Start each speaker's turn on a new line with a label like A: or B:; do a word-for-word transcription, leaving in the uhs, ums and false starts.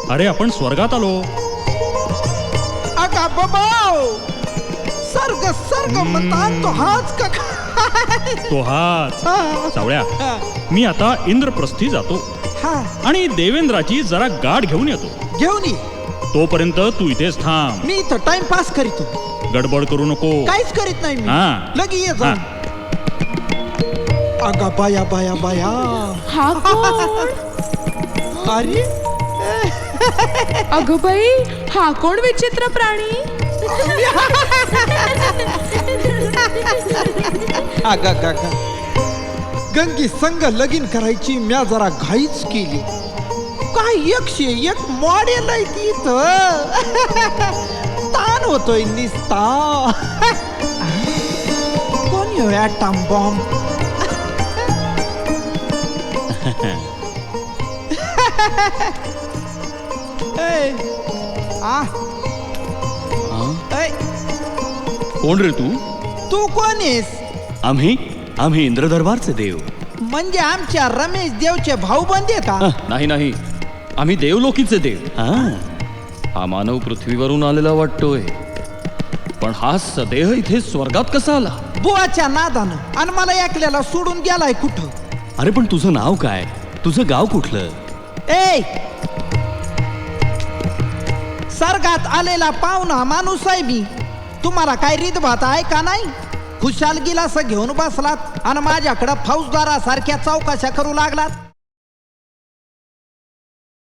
A: अरे आपण स्वर्गात आलो.
B: अगा बाबाओ, सर्ग सर्ग म्हणतात तो हाच का?
A: तो हाच.
B: हा.
A: सावळ्या,
B: हा.
A: मी आता इंद्रप्रस्थी जातो
B: हा,
A: आणि देवेंद्राची जरा गाठ घेऊन येतो.
B: घेऊन ये.
A: तोपर्यंत तू इथेच थांब.
B: मी इथं टाइमपास करीतो,
A: गडबड करू नको.
B: काहीच करीत नाही मी.
A: हा.
B: लगी ये
A: हा.
B: जा. अगा बाया बाया बाया.
C: हा कोण?
B: अरे
C: अगं बाई, हा कोण विचित्र प्राणी?
B: अगा गा गा. गंगी संग लगीन करायची म्या जरा घाईच केली. काय एकशे एक मॉडेल आहे ती इथं. ताण होतोय निस्ता. कोण येऊ ॲटम बॉम्ब? ए, आ, ए,
D: कोण रे तू?
B: तू कोण आहेस?
D: आम्ही आम्ही इंद्रदरबारचे देव.
B: म्हणजे आमच्या रमेश देवचे भाऊ बंदे का?
D: नाही नाही, आम्ही देवलोकीचे देव. हा मानव पृथ्वीवरून आलेला वाटतोय, पण हा सदेह इथे स्वर्गात कसा आला?
B: बुवाच्या नादानं. आणि मला एकल्याला सोडून गेलाय कुठं?
D: अरे पण तुझं नाव काय? तुझं गाव कुठलं?
B: ए, सर्गात आलेला पाहुणा माणूस आहे मी. तुम्हाला काय रीतभात आहे का नाही? खुशाल गिलास घेऊन बसलात आणि माझ्याकडं फौजदारासारख्या चौकशा करू लागलात.